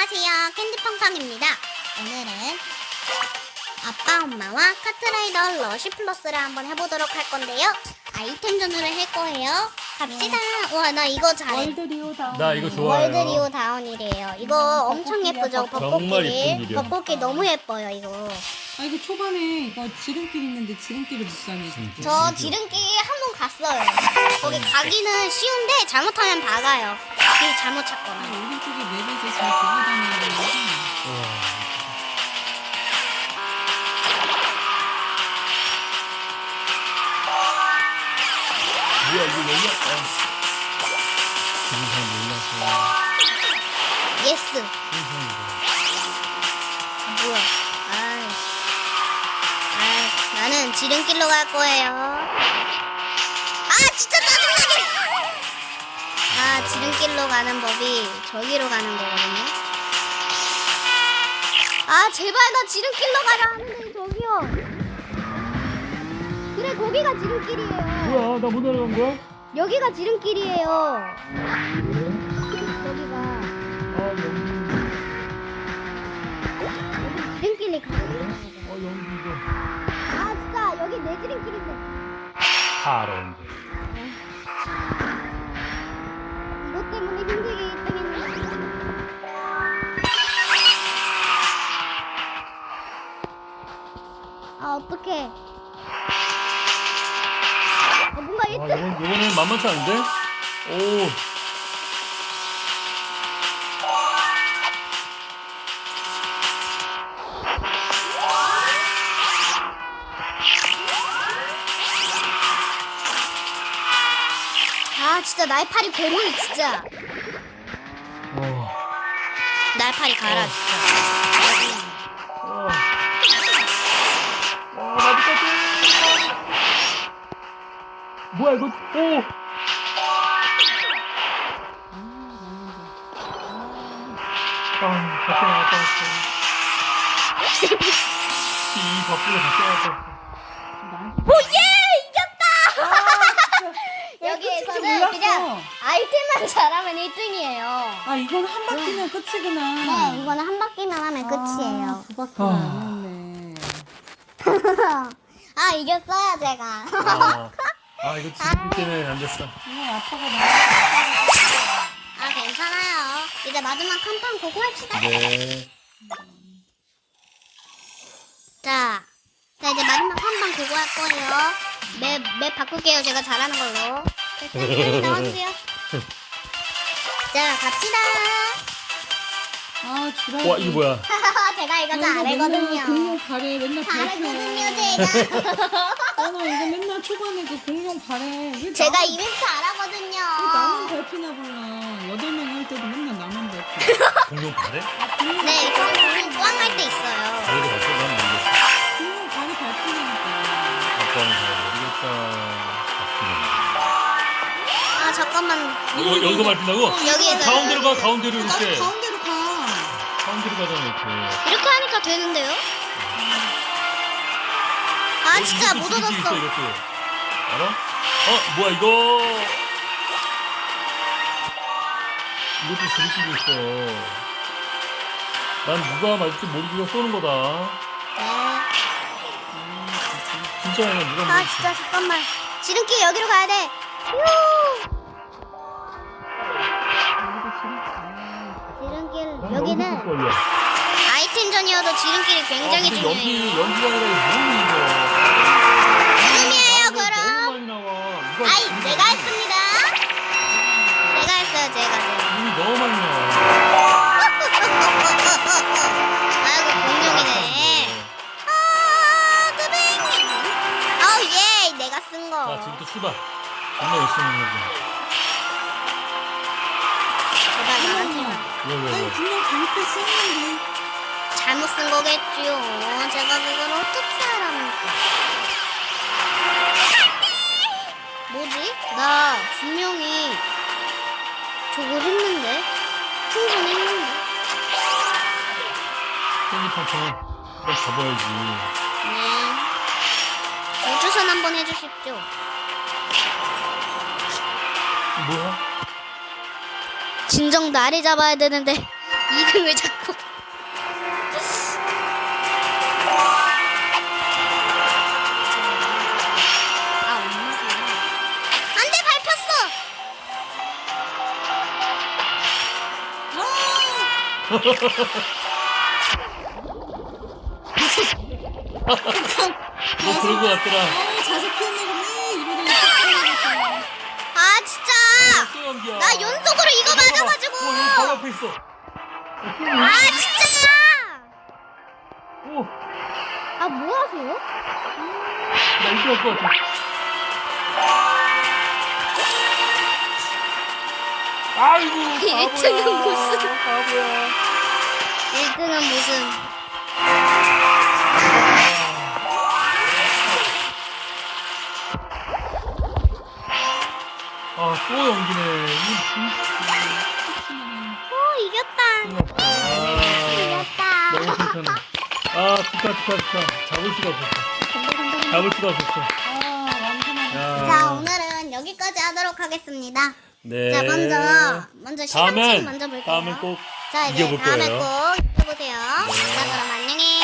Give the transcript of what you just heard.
안녕하세요, 캔디팡팡입니다. 오늘은 아빠 엄마와 카트라이더 러쉬 플러스를 한번 해보도록 할 건데요. 아이템 전후를 할 거예요. 갑시다. 와, 나 이거 잘해. 월드 리오 다운. 나 이거 좋아요. 월드 리오 다운이래요. 이거 엄청 예쁘죠? 정말 예쁜 벚꽃길. 길이야. 벚꽃길 너무 예뻐요, 이거. 아 이거 초반에 이거 지름길 있는데 지름길을 못 가네. 진짜. 저 지름길 한 번 갔어요. 거기 가기는 쉬운데 잘못하면 박아요. 길 잘못 찾거나. 오른쪽에 맵에서 잘 보고 다니는 거야. 뭐야 이거 여기야? 지금 잘 몰라서. 예스. 뭐야? 나는 지름길로 갈 거예요. 진짜 짜증나게! 지름길로 가는 법이 저기로 가는 거거든요. 제발 나 지름길로 가라 하는데 저기요. 그래, 거기가 지름길이에요. 뭐야 나 못 내려간 거야? 여기가 지름길이에요. 여기가. 여기 지름길이 가는 거예요. 연기가. 진짜 여기 내 지름길인데. 파란. 이것 때문에 힘들게 1등했네. 어떡해. 뭔가 1등. 이거는 만만치 않은데? 오. 진짜 날파리 괴물 진짜. 날파리 가라 진짜. 나비까지. 뭐야 이거? 오. 밖에 나갔다 왔어. 이 밖으로 밖에 나갔다 왔어. 오예! 이겼다! 여기에서는 몰랐어. 그냥 아이템만 잘하면 1등이에요. 이건 한 바퀴면 끝이구나. 네, 이거는 한 바퀴만 하면 끝이에요. 두 바퀴 아니었네. 이겼어요, 제가. 이거 지금 때문에 안 됐어. 아빠가 괜찮아요. 이제 마지막 한 판 고고 합시다. 네. 자, 이제 마지막 한 판 고고 할 거예요. 맵 바꿀게요. 제가 잘하는 걸로. 됐어요. 나와주세요. 자, 갑시다. 주라기. 와 이거 뭐야? 제가 이거 잘하거든요. 공룡 발에 맨날 잘하거든요, 제가. 나 이거 맨날 초반에 그 공룡 발에 왜 제가 나만- 이벤트 잘하거든요. 왜 나만 밟히나 몰라. 8명 할 때도 맨날 나만 밟혀. 공룡 발에? 네, 전 공룡 뿌앙할 때 있어요. 발에도 갔어? 난 모르겠어. 공룡 발이 밟히니까. 아빠는 잘 모르겠다. 잠깐만. 여기서 밟힌다고? 여기에서. 가운데로 가, 가운데로 이렇게. 가운데로 가. 가운데로 가잖아, 이렇게. 이렇게 하니까 되는데요? 진짜 못 지름길 있어, 얻었어. 이것도. 알아? 뭐야, 이거. 이것도 지름길이 있어. 난 누가 맞을지 모르고 쏘는 거다. 네. 진짜 아니야, 누가 맞을지. 진짜 잠깐만. 지름길 여기로 가야 돼. 지름길 여기는 걸려. 아이템전이어도 지름길이 굉장히 근데 중요해요. 연기가 아니라 이거 지금이에요, 너무 그럼. 많이 나와. 누가 내가 했습니다. 제가 했어요, 제가. 이미 너무 많이 나와. 아이고, 공룡이네. 드뱅. 예, 내가 쓴 거. 자, 지금부터 출발. 정말 열심히 하는 거지. 제발 나한테만. 왜? 분명 방패 썼는데. 잘못 쓴 거겠지요. 제가 그걸 어떻게 알아볼까? 뭐지? 나 분명히 저거 했는데? 충전했는데? 캔디팡팡은 꼭 잡아야지. 네. 우주선 한번 해주십시오. 뭐야? 진정 나를 잡아야 되는데 2등을 잡고. 아, 엄마구나. 안 돼, 밟혔어! 뭐 그런 거 같더라. 자석 피우는 이러더니 아, 진짜! 또 연기야. 나 연속으로 이거 맞아가지고! 여기 바로 앞에 있어. 아, 진짜! 오, 아, 뭐 하세요? 나 이거 할것 같아. 아이고, 바보야. 1등은 무슨. 바보야. 1등은 무슨. 아, 또 연기네. 오, 이겼다. 이겼다. 너무 괜찮네. 아, 축하. 잡을 수가 없었어. 잡을 수가 없었어. 야. 자, 오늘은 여기까지 하도록 하겠습니다. 네. 자, 먼저 시상식 먼저 볼게요. 다음엔 꼭 자, 이제 이겨볼 다음에 거예요. 꼭 이겨보세요. 자, 그럼 안녕히.